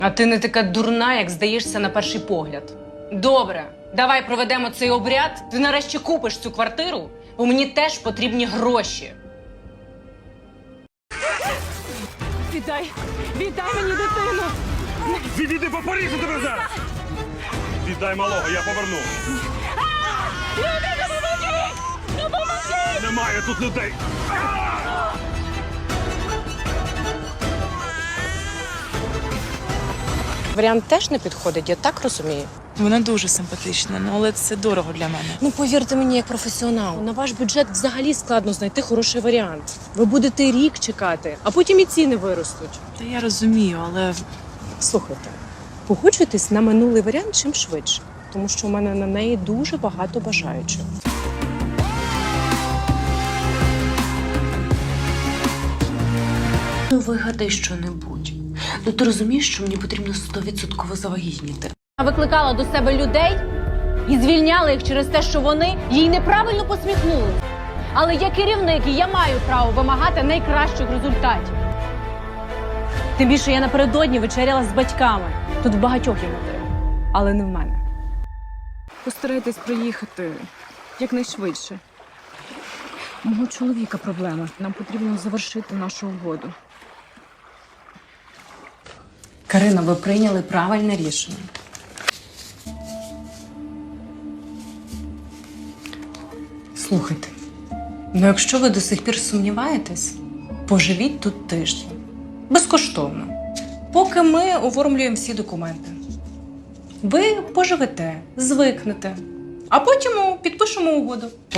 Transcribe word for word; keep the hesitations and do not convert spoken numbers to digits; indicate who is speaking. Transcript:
Speaker 1: А ти не така дурна, як здаєшся на перший погляд. Добре, давай проведемо цей обряд. Ти нарешті купиш цю квартиру, бо мені теж потрібні гроші.
Speaker 2: Віддай! Віддай мені дитину!
Speaker 3: Відійди, бо поріжу тебе зараз! Віддай малого, я поверну.
Speaker 2: Люди, допоможіть! Допоможіть!
Speaker 3: Немає тут людей.
Speaker 1: Варіант теж не підходить, я так розумію.
Speaker 4: Вона дуже симпатична, ну, але це дорого для мене.
Speaker 1: Ну, повірте мені, як професіонал, на ваш бюджет взагалі складно знайти хороший варіант. Ви будете рік чекати, а потім і ціни виростуть.
Speaker 4: Та я розумію, але
Speaker 1: Слухайте, погоджуйтесь на минулий варіант чим швидше, тому що у мене на неї дуже багато бажаючих.
Speaker 5: Ну, вигадай що-небудь. Ну, ти розумієш, що мені потрібно стовідсотково завагітніти.
Speaker 2: Викликала до себе людей і звільняла їх через те, що вони їй неправильно посміхнули. Але я керівник, і я маю право вимагати найкращих результатів. Тим більше я напередодні вечеряла з батьками. Тут в багатьох є мотиви, але не в мене.
Speaker 6: Постарайтесь приїхати якнайшвидше. У мого чоловіка проблема. Нам потрібно завершити нашу угоду.
Speaker 1: Карина, ви прийняли правильне рішення. Слухайте, ну якщо ви до сих пір сумніваєтесь, поживіть тут тиждень. Безкоштовно. Поки ми оформлюємо всі документи. Ви поживете, звикнете, а потім підпишемо угоду.